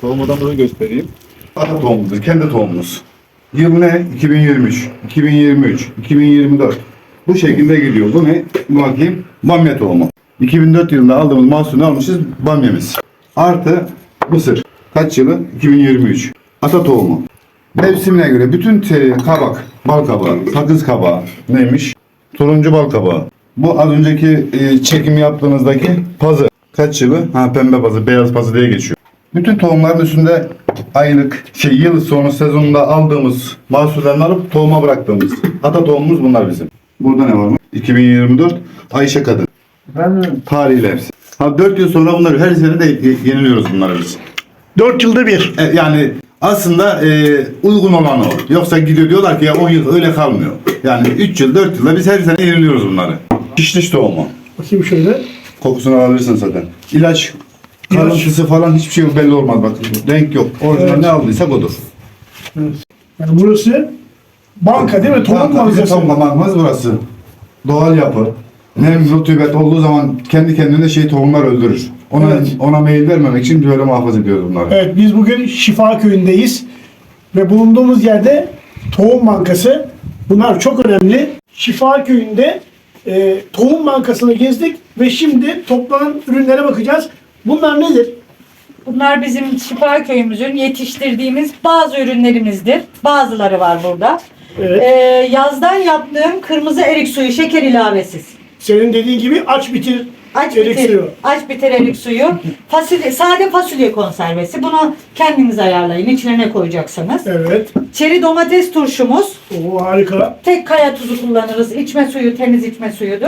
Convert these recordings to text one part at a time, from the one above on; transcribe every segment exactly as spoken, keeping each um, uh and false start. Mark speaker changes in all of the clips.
Speaker 1: Tohum odamızı göstereyim.
Speaker 2: Ata tohumumuz, kendi tohumumuz. Yıl ne? iki bin yirmi üç, iki bin yirmi üç, iki bin yirmi dört. Bu şekilde gidiyor. Bu ne? Bakayım. Bamya tohumu. iki bin dört yılında aldığımız mahsulünü almışız. Bamyamız. Artı mısır. Kaç yılı? iki bin yirmi üç. Ata tohumu. Mevsimine göre bütün te- kabak, bal kabağı, sakız kabağı neymiş? Turuncu bal kabağı. Bu az önceki e, çekim yaptığınızdaki pazı. Kaç yılı? Ha, pembe pazı, beyaz pazı diye geçiyor. Bütün tohumların üstünde aylık, şey yıl sonu sezonunda aldığımız mahsullerini alıp tohuma bıraktığımız. Ata tohumumuz bunlar bizim. Burada ne var mı? iki bin yirmi dört Ayşe Kadın.
Speaker 3: Ben
Speaker 2: Tarihiyle hepsi. Ha, dört yıl sonra bunları her sene de yeniliyoruz bunları biz.
Speaker 3: dört yılda bir.
Speaker 2: E, yani aslında e, uygun olan o. Yoksa gidiyor diyorlar ki ya on yıl öyle kalmıyor. Yani üç yıl dört yılda biz her sene yeniliyoruz bunları. Şişliş tohumu.
Speaker 3: Bakayım şöyle.
Speaker 2: Kokusunu alabilirsin zaten. İlaç, karıntısı falan hiçbir şey belli olmaz bak. Renk yok. Orijinal
Speaker 3: Evet.
Speaker 2: ne aldıysak odur.
Speaker 3: Evet. Yani burası banka değil mi? Tohum
Speaker 2: Banka, bizim
Speaker 3: bankası.
Speaker 2: tohum bankası burası. Doğal yapı. Nem, rutubet olduğu zaman kendi kendine şey tohumlar öldürür. Ona
Speaker 3: Evet.
Speaker 2: ona meyil vermemek için böyle muhafaza ediyoruz bunları.
Speaker 3: Evet, biz bugün Şifa Köyü'ndeyiz ve bulunduğumuz yerde Tohum Bankası. Bunlar çok önemli. Şifa Köyü'nde e, Tohum Bankası'nı gezdik ve şimdi toplanan ürünlere bakacağız. Bunlar nedir?
Speaker 4: Bunlar bizim Şifa Köyümüzün yetiştirdiğimiz bazı ürünlerimizdir. Bazıları var burada.
Speaker 3: Evet.
Speaker 4: Ee, yazdan yaptığım kırmızı erik suyu şeker ilavesiz.
Speaker 3: Senin dediğin gibi aç bitir
Speaker 4: Aç
Speaker 3: erik
Speaker 4: bitir,
Speaker 3: suyu.
Speaker 4: aç bitir erik suyu. Fasulye, sade fasulye konservesi. Bunu kendiniz ayarlayın. İçine ne koyacaksınız?
Speaker 3: Evet.
Speaker 4: Çeri domates turşumuz.
Speaker 3: Oo, harika.
Speaker 4: Tek kaya tuzu kullanırız. İçme suyu, temiz içme suyudur.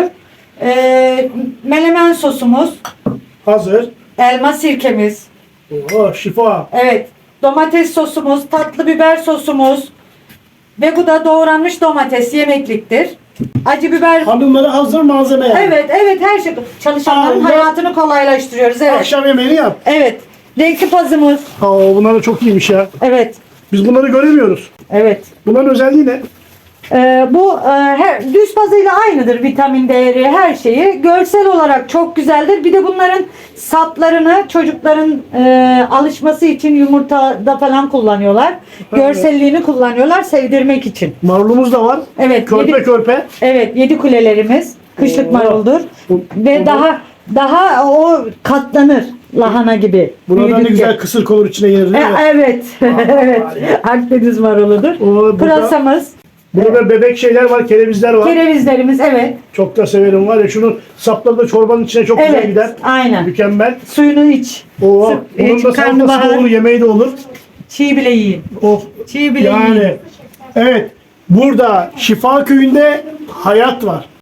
Speaker 4: Ee, menemen sosumuz.
Speaker 3: Hazır.
Speaker 4: Elma sirkemiz.
Speaker 3: Oo, şifa.
Speaker 4: Evet. Domates sosumuz, tatlı biber sosumuz ve bu da doğranmış domates yemekliktir. Acı biber.
Speaker 3: Hanımlara hazır malzeme yani.
Speaker 4: Evet, evet her şey. Çalışanların
Speaker 3: Aa,
Speaker 4: hayatını kolaylaştırıyoruz. Evet.
Speaker 3: Akşam yemeğini yap.
Speaker 4: Evet. Renkli pazımız.
Speaker 3: Oo, bunlar da çok iyiymiş ya.
Speaker 4: Evet.
Speaker 3: Biz bunları göremiyoruz.
Speaker 4: Evet.
Speaker 3: Bunların özelliği ne?
Speaker 4: Ee, bu e, her, düz pazıyla aynıdır vitamin değeri her şeyi. Görsel olarak çok güzeldir. Bir de bunların saplarını çocukların e, alışması için yumurtada falan kullanıyorlar. Görselliğini kullanıyorlar sevdirmek için.
Speaker 3: Marulumuz da var.
Speaker 4: Evet.
Speaker 3: Körpe
Speaker 4: yedi,
Speaker 3: körpe.
Speaker 4: evet. Yedi kulelerimiz kışlık
Speaker 3: Oo.
Speaker 4: maruldur.
Speaker 3: Bu-
Speaker 4: Ve
Speaker 3: bu-
Speaker 4: daha daha o katlanır lahana gibi.
Speaker 3: Buradan ne
Speaker 4: Büyüdükçe.
Speaker 3: güzel kısır konur içine yenir
Speaker 4: E,
Speaker 3: değil mi?
Speaker 4: evet. evet. Akdeniz maruludur.
Speaker 3: O, burada-
Speaker 4: Pırasamız.
Speaker 3: Burada bebek şeyler var, kerevizler var.
Speaker 4: Kerevizlerimiz evet.
Speaker 3: Çok da severim var ya, şunun sapları da çorbanın içine çok güzel
Speaker 4: Evet.
Speaker 3: gider.
Speaker 4: Aynen.
Speaker 3: Mükemmel.
Speaker 4: Suyunu iç.
Speaker 3: Oo,
Speaker 4: Sık-
Speaker 3: bunun
Speaker 4: iç,
Speaker 3: da salatası da
Speaker 4: karnabahar.
Speaker 3: olur, yemeği de olur.
Speaker 4: Çiğ bile yiyin.
Speaker 3: Oh.
Speaker 4: Çiğ bile
Speaker 3: Yani
Speaker 4: yiyin.
Speaker 3: evet, burada Şifa Köyü'nde hayat var.